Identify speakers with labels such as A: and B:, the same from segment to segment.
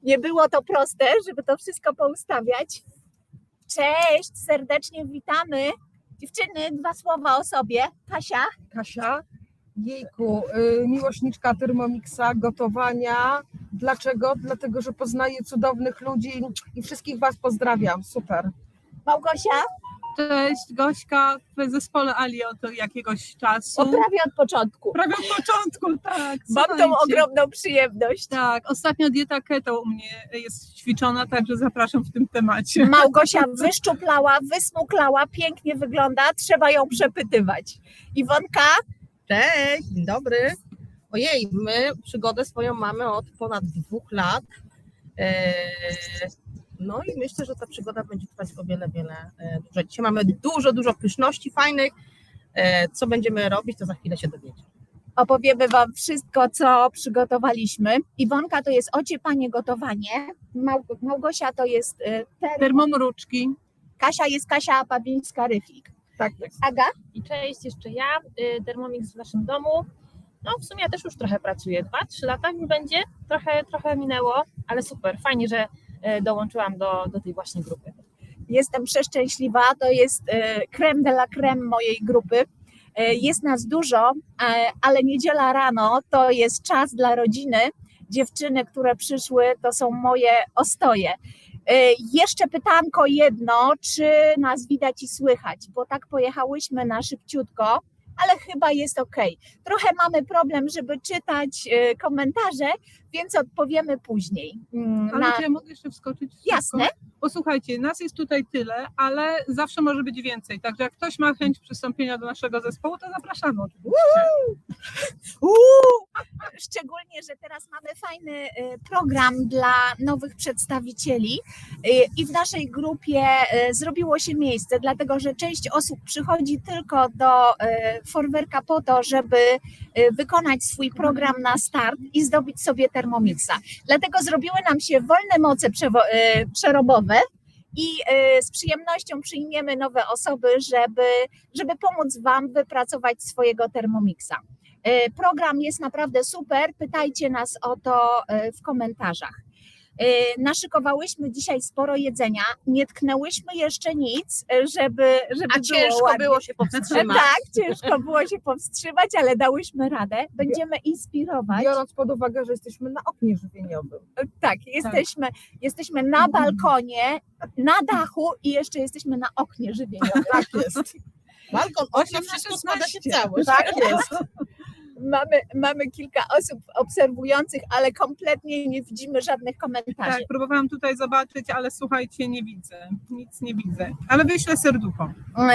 A: Nie było to proste, żeby to wszystko poustawiać. Cześć, serdecznie witamy. Dziewczyny, 2 słowa o sobie. Kasia,
B: Jejku, miłośniczka Thermomixa, gotowania. Dlaczego? Dlatego, że poznaję cudownych ludzi i wszystkich Was pozdrawiam. Super.
A: Małgosia.
C: Cześć, Gośka w zespole Ali od jakiegoś czasu.
A: Prawie od początku.
C: Prawie od początku, tak.
A: Mam tą ogromną przyjemność.
C: Tak, ostatnio dieta keto u mnie jest ćwiczona, także zapraszam w tym temacie.
A: Małgosia wyszczuplała, wysmuklała, pięknie wygląda, trzeba ją przepytywać. Iwonka?
D: Cześć, dzień dobry. Ojej, my przygodę swoją mamy od ponad 2 lat. No i myślę, że ta przygoda będzie trwać o wiele dłużej. Dzisiaj mamy dużo pyszności fajnych. Co będziemy robić, to za chwilę się dowiecie.
A: Opowiemy Wam wszystko, co przygotowaliśmy. Iwonka to jest ociepanie, gotowanie. Małgosia to jest
C: Termomruczki.
A: Kasia jest Kasia Pawińska-Rychlik.
B: Tak jest.
A: Aga?
E: I cześć, jeszcze ja, Thermomix w naszym domu. No w sumie ja też już trochę pracuję, 2-3 lata już będzie, trochę minęło, ale super, fajnie, że dołączyłam do tej właśnie grupy.
A: Jestem przeszczęśliwa, to jest crème de la crème mojej grupy. Jest nas dużo, ale niedziela rano to jest czas dla rodziny. Dziewczyny, które przyszły, to są moje ostoje. Jeszcze pytanko jedno, czy nas widać i słychać, bo tak pojechałyśmy na szybciutko, ale chyba jest ok. Trochę mamy problem, żeby czytać komentarze, więc odpowiemy później.
C: Ale czy ja mogę jeszcze wskoczyć?
A: Jasne.
C: Posłuchajcie, nas jest tutaj tyle, ale zawsze może być więcej. Także jak ktoś ma chęć przystąpienia do naszego zespołu, to zapraszamy oczywiście.
A: Szczególnie, że teraz mamy fajny program dla nowych przedstawicieli i w naszej grupie zrobiło się miejsce, dlatego że część osób przychodzi tylko do Forwerka po to, żeby wykonać swój program na start i zdobyć sobie Thermomixa. Dlatego zrobiły nam się wolne moce przerobowe i z przyjemnością przyjmiemy nowe osoby, żeby pomóc Wam wypracować swojego Thermomixa. Program jest naprawdę super, pytajcie nas o to w komentarzach. Naszykowałyśmy dzisiaj sporo jedzenia, nie tknęłyśmy jeszcze nic, żeby
D: A ciężko
A: ładnie.
D: było się powstrzymać.
A: Tak, ciężko było się powstrzymać, ale dałyśmy radę. Będziemy inspirować.
B: Biorąc pod uwagę, że jesteśmy na oknie żywieniowym.
A: Tak, jesteśmy na balkonie, na dachu i jeszcze jesteśmy na oknie żywieniowym.
B: Tak jest.
D: Balkon, okno, wszystko składa się cały.
A: Tak jest. Mamy kilka osób obserwujących, ale kompletnie nie widzimy żadnych komentarzy.
C: Tak, próbowałam tutaj zobaczyć, ale słuchajcie, nie widzę. Nic nie widzę. Ale wyślę serducho.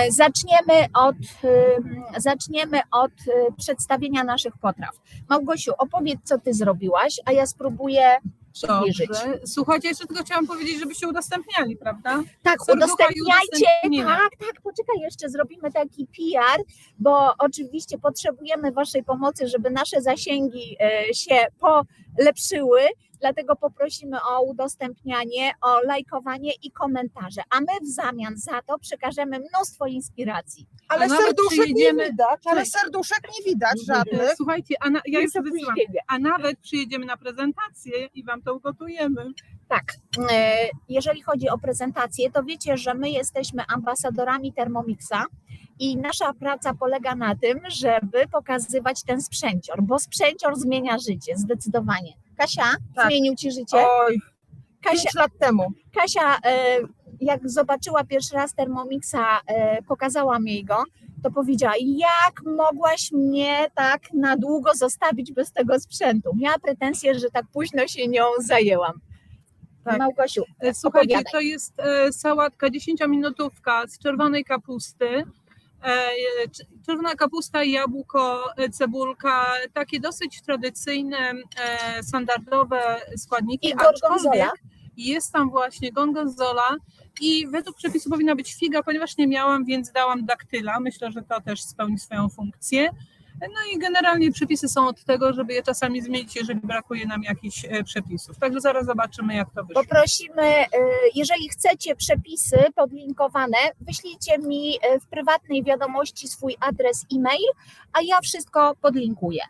A: Zaczniemy od przedstawienia naszych potraw. Małgosiu, opowiedz, co ty zrobiłaś, a ja spróbuję przybliżyć.
C: Dobrze. Słuchajcie, jeszcze tylko chciałam powiedzieć, żebyście udostępniali, prawda?
A: Tak,
C: Serducha i
A: udostępniajcie,
C: udostępnienia.
A: tak, poczekaj, jeszcze zrobimy taki PR, bo oczywiście potrzebujemy Waszej pomocy, żeby nasze zasięgi się polepszyły, dlatego poprosimy o udostępnianie, o lajkowanie i komentarze, a my w zamian za to przekażemy mnóstwo inspiracji.
B: Ale
C: nawet
B: serduszek
C: przyjedziemy-
B: nie widać, żadnych.
C: Słuchajcie, ja już
A: Jest
C: wysyłam.
A: opóźnienie.
C: A nawet przyjedziemy na prezentację i Wam to ugotujemy.
A: Tak, jeżeli chodzi o prezentację, to wiecie, że my jesteśmy ambasadorami Thermomixa i nasza praca polega na tym, żeby pokazywać ten sprzęcior, bo sprzęcior zmienia życie, zdecydowanie. Kasia,
B: Tak.
A: zmienił Ci życie?
B: Oj, 5 lat temu.
A: Kasia, jak zobaczyła pierwszy raz Thermomixa, pokazałam jej go, to powiedziała, jak mogłaś mnie tak na długo zostawić bez tego sprzętu? Miała pretensję, że tak późno się nią zajęłam.
B: Tak.
A: Małgosiu,
C: Słuchajcie,
A: opowiadaj.
C: to jest sałatka 10-minutówka z czerwonej kapusty. Czerwona kapusta, jabłko, cebulka, takie dosyć tradycyjne, standardowe składniki.
A: I gorgonzola.
C: Aczkolwiek jest tam właśnie gorgonzola i według przepisu powinna być figa, ponieważ nie miałam, więc dałam daktyla. Myślę, że to też spełni swoją funkcję. No i generalnie przepisy są od tego, żeby je czasami zmienić, jeżeli brakuje nam jakichś przepisów. Także zaraz zobaczymy, jak to wyszło.
A: Poprosimy, jeżeli chcecie przepisy podlinkowane, wyślijcie mi w prywatnej wiadomości swój adres e-mail, a ja wszystko podlinkuję.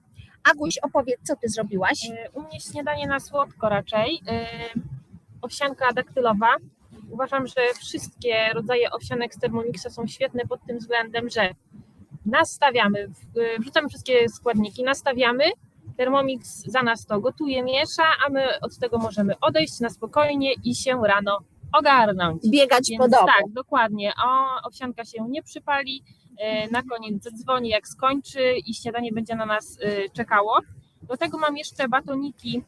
A: Aguś, opowiedz, co ty zrobiłaś?
E: U mnie śniadanie na słodko raczej. Owsianka daktylowa. Uważam, że wszystkie rodzaje owsianek z Thermomixa są świetne pod tym względem, że nastawiamy, wrzucamy wszystkie składniki, nastawiamy, Thermomix za nas to gotuje, miesza, a my od tego możemy odejść na spokojnie i się rano ogarnąć.
A: Biegać
E: Więc
A: po domu.
E: tak, dokładnie. Owsianka się nie przypali, na koniec zadzwoni jak skończy i śniadanie będzie na nas czekało. Do tego mam jeszcze batoniki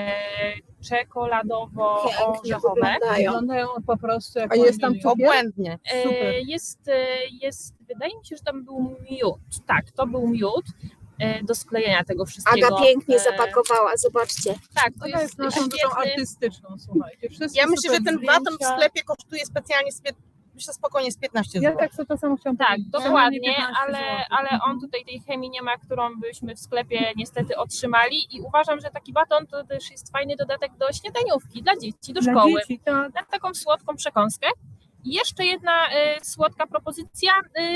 E: czekoladowo-orzechowe.
C: Wyglądają po prostu jak
B: A jest tam
C: wanilią.
B: cukier?
D: Obłędnie.
C: Super.
E: Wydaje mi się, że tam był miód. Tak, to był miód do sklejenia tego wszystkiego.
A: Aga pięknie zapakowała, zobaczcie.
E: Tak, to
C: Ona jest naszą duszą
E: świetny.
C: artystyczną, słuchajcie. Wszystko
D: Ja myślę, że
C: super
D: ten baton w
C: zdjęcia.
D: sklepie kosztuje specjalnie, myślę spokojnie z 15
C: Ja
D: zł.
C: tak sobie to samo chciałam
E: Tak,
C: powiedzieć.
E: dokładnie,
C: 15
E: ale
C: złotych.
E: on tutaj tej chemii nie ma, którą byśmy w sklepie niestety otrzymali i uważam, że taki baton to też jest fajny dodatek do śniadaniówki dla dzieci, do
C: Dla
E: szkoły.
C: dzieci, tak.
E: Na taką słodką przekąskę. I jeszcze jedna słodka propozycja,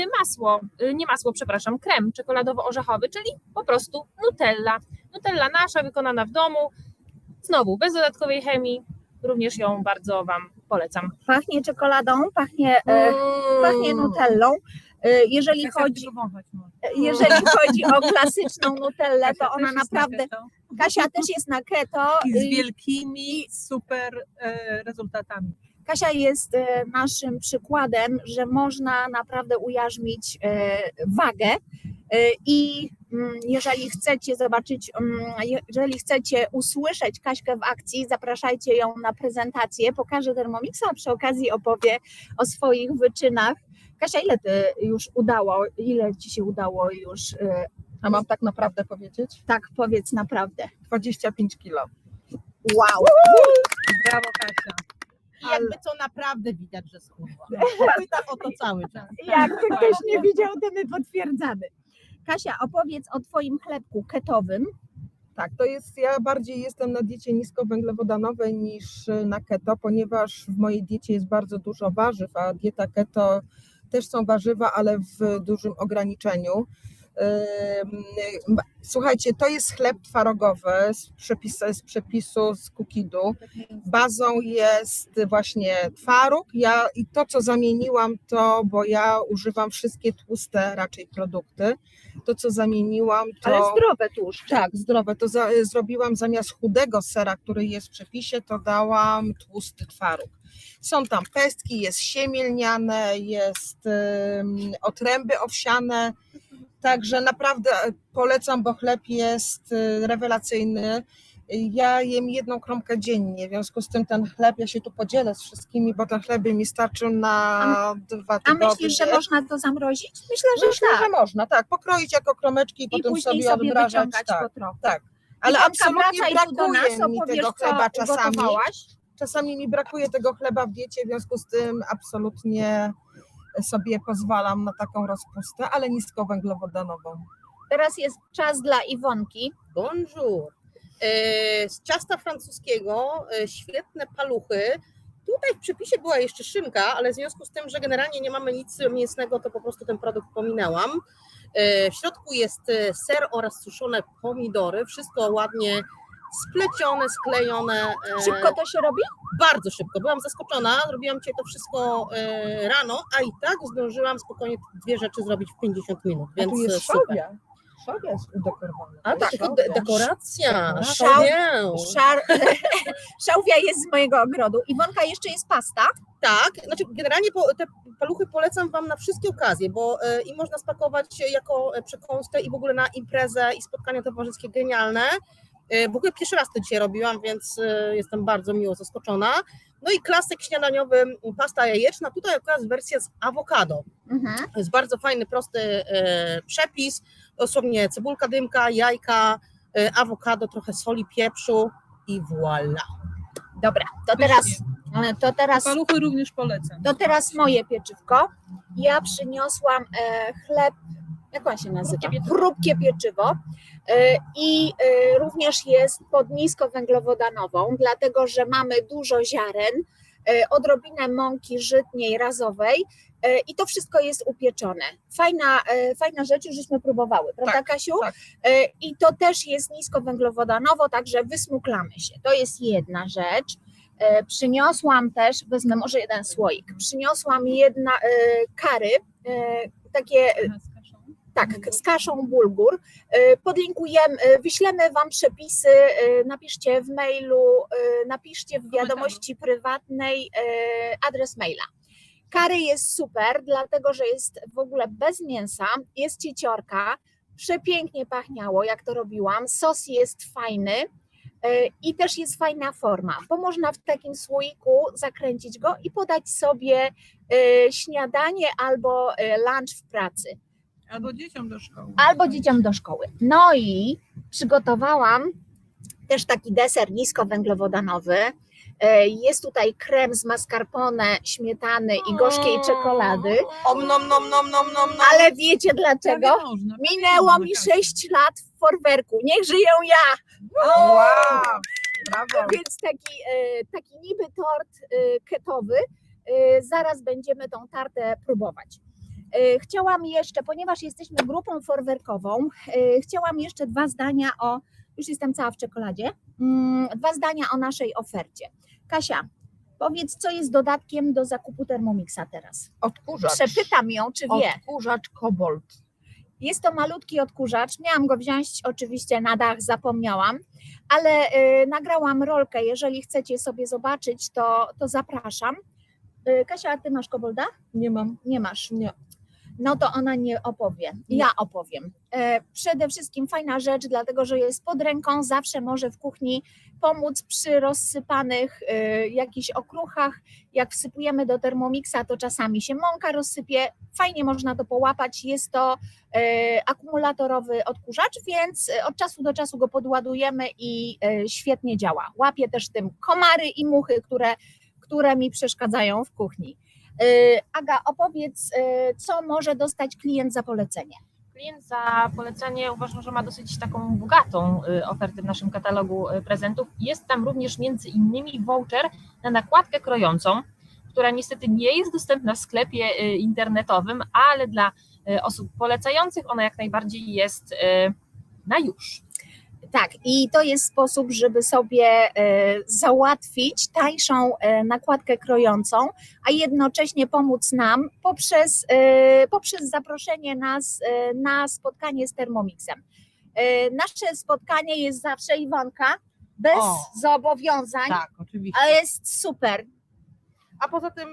E: krem czekoladowo-orzechowy, czyli po prostu Nutella. Nutella nasza, wykonana w domu, znowu bez dodatkowej chemii, również ją bardzo Wam polecam.
A: Pachnie czekoladą, pachnie nutellą. Jeżeli
C: Jak
A: chodzi,
C: tylko wąchać można.
A: jeżeli chodzi o klasyczną nutellę, to
C: Kasia
A: ona
C: też jest na
A: naprawdę,
C: keto.
A: Kasia też jest na keto.
C: I z wielkimi super rezultatami.
A: Kasia jest naszym przykładem, że można naprawdę ujarzmić wagę i jeżeli chcecie zobaczyć, jeżeli chcecie usłyszeć Kaśkę w akcji, zapraszajcie ją na prezentację, pokaże Thermomixa, a przy okazji opowie o swoich wyczynach. Kasia, ile Ci się udało już,
B: A mam tak naprawdę powiedzieć?
A: tak powiedz naprawdę.
B: 25 kilo.
A: Wow!
C: Brawo, Kasia.
D: I jakby to naprawdę widać, że schudła. Pyta o to cały czas.
A: Jakby ktoś nie widział, to my potwierdzamy. Kasia, opowiedz o Twoim chlebku ketowym.
B: Tak, to jest, ja bardziej jestem na diecie niskowęglowodanowej niż na keto, ponieważ w mojej diecie jest bardzo dużo warzyw, a dieta keto też są warzywa, ale w dużym ograniczeniu. Słuchajcie, to jest chleb twarogowy z przepisu z Kukidu. Bazą jest właśnie twaróg. I to, co zamieniłam, bo ja używam wszystkie tłuste raczej produkty. To, co zamieniłam, to...
A: Ale zdrowe tłuszcze.
B: Tak, zdrowe. To zrobiłam zamiast chudego sera, który jest w przepisie, to dałam tłusty twaróg. Są tam pestki, jest siemię lniane, jest otręby owsiane, także naprawdę polecam, bo chleb jest rewelacyjny. Ja jem 1 kromkę dziennie, w związku z tym ten chleb, ja się tu podzielę z wszystkimi, bo ten chleb by mi starczył na 2
A: A
B: tygodnie.
A: myślisz, że można to zamrozić? Myślę, że
B: Myślę,
A: tak.
B: że można, tak, pokroić jako kromeczki i
A: I
B: potem
A: później
B: sobie
A: sobie
B: odmrażać.
A: wyciągać
B: Tak,
A: po trochu.
B: tak. Ale
A: Iwonka,
B: absolutnie
A: wracaj tu do nas,
B: brakuje mi
A: opowiesz,
B: tego
A: co
B: chleba czasami.
A: ugotowałaś.
B: Czasami mi brakuje tego chleba w diecie, w związku z tym absolutnie sobie pozwalam na taką rozpustę, ale niskowęglowodanową.
A: Teraz jest czas dla Iwonki.
D: Bonjour. Z ciasta francuskiego świetne paluchy. Tutaj w przepisie była jeszcze szynka, ale w związku z tym, że generalnie nie mamy nic mięsnego, to po prostu ten produkt pominęłam. W środku jest ser oraz suszone pomidory. Wszystko ładnie splecione, sklejone.
A: Szybko to się robi?
D: Bardzo szybko. Byłam zaskoczona. Robiłam dzisiaj to wszystko rano, a i tak zdążyłam spokojnie 2 rzeczy zrobić w 50 minut.
B: A
D: Więc
B: tu jest
D: super.
B: szałwia. Szałwia jest udekorowana.
D: A tak, dekoracja.
A: Szał-
D: Szałwię.
A: Szałwia jest z mojego ogrodu. Iwonka, jeszcze jest pasta.
D: Tak, znaczy generalnie te paluchy polecam Wam na wszystkie okazje, bo i można spakować jako przekąskę i w ogóle na imprezę i spotkania towarzyskie genialne. W ogóle pierwszy raz to dzisiaj robiłam, więc jestem bardzo miło zaskoczona. No i klasyk śniadaniowy, pasta jajeczna, tutaj akurat wersja z awokado. To jest bardzo fajny, prosty przepis, dosłownie cebulka, dymka, jajka, awokado, trochę soli, pieprzu i voilà.
A: Dobra, to teraz
C: Paluchy również polecam.
A: To teraz moje pieczywko. Ja przyniosłam chleb, jak on się nazywa? Chrupkie pieczywo. I również jest pod niskowęglowodanową, dlatego że mamy dużo ziaren, odrobinę mąki żytniej razowej i to wszystko jest upieczone. Fajna rzecz, już żeśmy próbowały, prawda
B: Tak,
A: Kasiu?
B: tak.
A: I to też jest niskowęglowodanowo, także wysmuklamy się. To jest jedna rzecz. Przyniosłam też, wezmę może jeden słoik, przyniosłam kary, takie tak, z kaszą bulgur. Podlinkujemy, wyślemy Wam przepisy, napiszcie w mailu, napiszcie w wiadomości prywatnej adres maila. Kary jest super, dlatego że jest w ogóle bez mięsa, jest cieciorka, przepięknie pachniało, jak to robiłam, sos jest fajny i też jest fajna forma, bo można w takim słoiku zakręcić go i podać sobie śniadanie albo lunch w pracy.
C: Albo dzieciom do szkoły.
A: Albo dzieciom do szkoły. No i przygotowałam też taki deser niskowęglowodanowy. Jest tutaj krem z mascarpone, śmietany i gorzkiej czekolady.
B: Om nom nom nom nom nom.
A: Ale wiecie dlaczego? Minęło mi 6 lat w Forwerku. Niech żyję ja!
B: Wow, brawo.
A: Więc taki niby tort ketowy. Zaraz będziemy tą tartę próbować. Chciałam jeszcze, ponieważ jesteśmy grupą forwerkową, chciałam jeszcze 2 zdania już jestem cała w czekoladzie, 2 zdania o naszej ofercie. Kasia, powiedz, co jest dodatkiem do zakupu Thermomixa teraz?
B: Odkurzacz.
A: Przepytam ją, czy wie.
B: Odkurzacz Kobold.
A: Jest to malutki odkurzacz, miałam go wziąć oczywiście na dach, zapomniałam, ale nagrałam rolkę, jeżeli chcecie sobie zobaczyć, to zapraszam. Kasia, a ty masz Kobolda?
B: Nie mam.
A: Nie masz.
B: Nie.
A: No to ona nie opowie, ja opowiem. Przede wszystkim fajna rzecz, dlatego że jest pod ręką, zawsze może w kuchni pomóc przy rozsypanych jakichś okruchach. Jak wsypujemy do Thermomixa, to czasami się mąka rozsypie, fajnie można to połapać. Jest to akumulatorowy odkurzacz, więc od czasu do czasu go podładujemy i świetnie działa. Łapie też tym komary i muchy, które mi przeszkadzają w kuchni. Aga, opowiedz, co może dostać klient za polecenie?
E: Klient za polecenie uważam, że ma dosyć taką bogatą ofertę w naszym katalogu prezentów. Jest tam również między innymi voucher na nakładkę krojącą, która niestety nie jest dostępna w sklepie internetowym, ale dla osób polecających ona jak najbardziej jest na już.
A: Tak, i to jest sposób, żeby sobie załatwić tańszą nakładkę krojącą, a jednocześnie pomóc nam poprzez zaproszenie nas na spotkanie z Thermomixem. Nasze spotkanie jest zawsze, Iwonka, bez zobowiązań,
F: Tak, oczywiście.
A: ale jest super.
F: A poza tym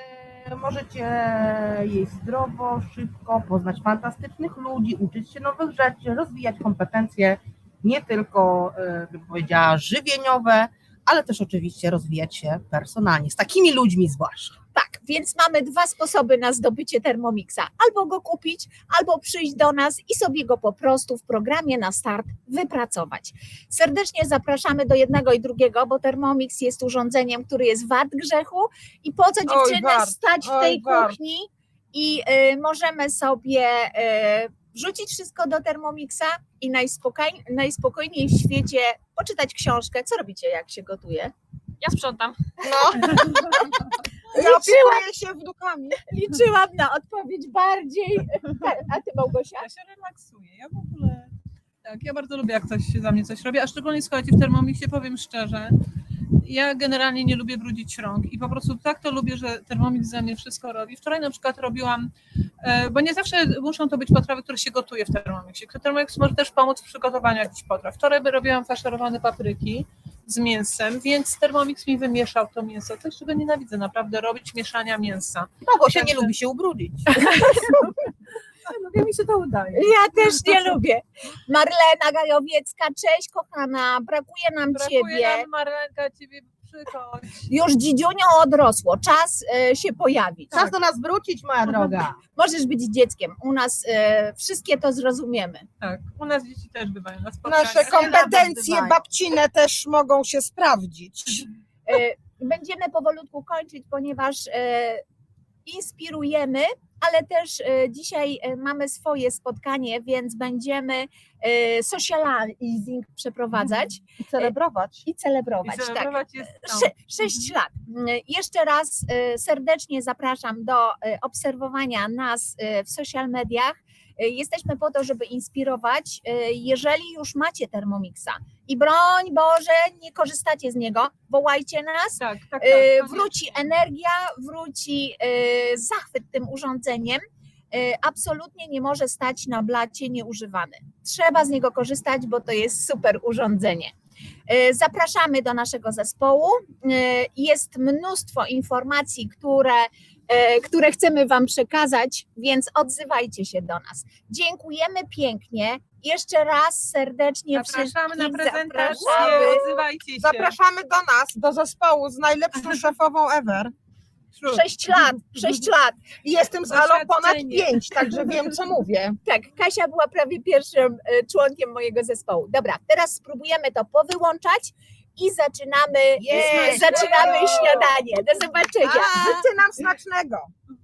F: możecie jeść zdrowo, szybko, poznać fantastycznych ludzi, uczyć się nowych rzeczy, rozwijać kompetencje nie tylko, bym powiedziała, żywieniowe, ale też oczywiście rozwijać się personalnie, z takimi ludźmi zwłaszcza.
A: Tak, więc mamy 2 sposoby na zdobycie Thermomixa. Albo go kupić, albo przyjść do nas i sobie go po prostu w programie na start wypracować. Serdecznie zapraszamy do jednego i drugiego, bo Thermomix jest urządzeniem, który jest wart grzechu i po co dziewczyny stać w tej kuchni i możemy sobie wrzucić wszystko do Thermomixa i najspokojniej w świecie poczytać książkę. Co robicie, jak się gotuje?
E: Ja sprzątam.
B: No. Ja opiekuję się wnukami.
A: Liczyłam na odpowiedź bardziej. A ty, Małgosia?
C: Ja się relaksuję. Ja w ogóle. Tak, ja bardzo lubię, jak ktoś za mnie coś robi, a szczególnie słuchajcie, w Thermomixie powiem szczerze, ja generalnie nie lubię brudzić rąk i po prostu tak to lubię, że Thermomix za mnie wszystko robi. Wczoraj na przykład robiłam, bo nie zawsze muszą to być potrawy, które się gotuje w Thermomixie. Thermomix może też pomóc w przygotowaniu jakichś potraw. Wczoraj robiłam faszerowane papryki z mięsem, więc Thermomix mi wymieszał to mięso. Coś, czego nienawidzę naprawdę robić, mieszania mięsa.
F: Małgosia nie lubi się ubrudzić.
C: No, mi się to udaje.
A: Ja też nie lubię. Marlena Gajowiecka, cześć kochana, brakuje nam
C: Brakuje
A: ciebie.
C: nam, Marlenka, ciebie przychodź.
A: Już dzidziunią odrosło, czas się pojawić.
F: Czas do nas wrócić, moja droga.
A: Możesz być dzieckiem, u nas wszystkie to zrozumiemy.
C: Tak, u nas dzieci też bywają na spotkaniach.
B: Nasze kompetencje
F: bywają.
B: babcine też mogą się sprawdzić.
A: Będziemy powolutku kończyć, ponieważ inspirujemy, ale też dzisiaj mamy swoje spotkanie, więc będziemy socializing przeprowadzać
B: I celebrować.
A: i celebrować.
C: I celebrować jest tam.
A: 6 lat. Jeszcze raz serdecznie zapraszam do obserwowania nas w social mediach. Jesteśmy po to, żeby inspirować. Jeżeli już macie Thermomixa i broń Boże, nie korzystacie z niego, wołajcie nas.
C: Tak.
A: Wróci energia, wróci zachwyt tym urządzeniem. Absolutnie nie może stać na blacie nieużywany. Trzeba z niego korzystać, bo to jest super urządzenie. Zapraszamy do naszego zespołu. Jest mnóstwo informacji, które chcemy Wam przekazać, więc odzywajcie się do nas. Dziękujemy pięknie. Jeszcze raz serdecznie
C: Zapraszamy na
A: wszystkich
C: prezentację,
A: zapraszamy.
C: odzywajcie się.
B: Zapraszamy do nas, do zespołu z najlepszą szefową ever.
A: 6 lat, 6 lat.
B: I jestem z Alą ponad
C: Doświadczenie.
B: 5, także wiem, co mówię.
A: Tak, Kasia była prawie pierwszym członkiem mojego zespołu. Dobra, teraz spróbujemy to powyłączać i zaczynamy śniadanie. Do zobaczenia.
B: Życzę nam smacznego.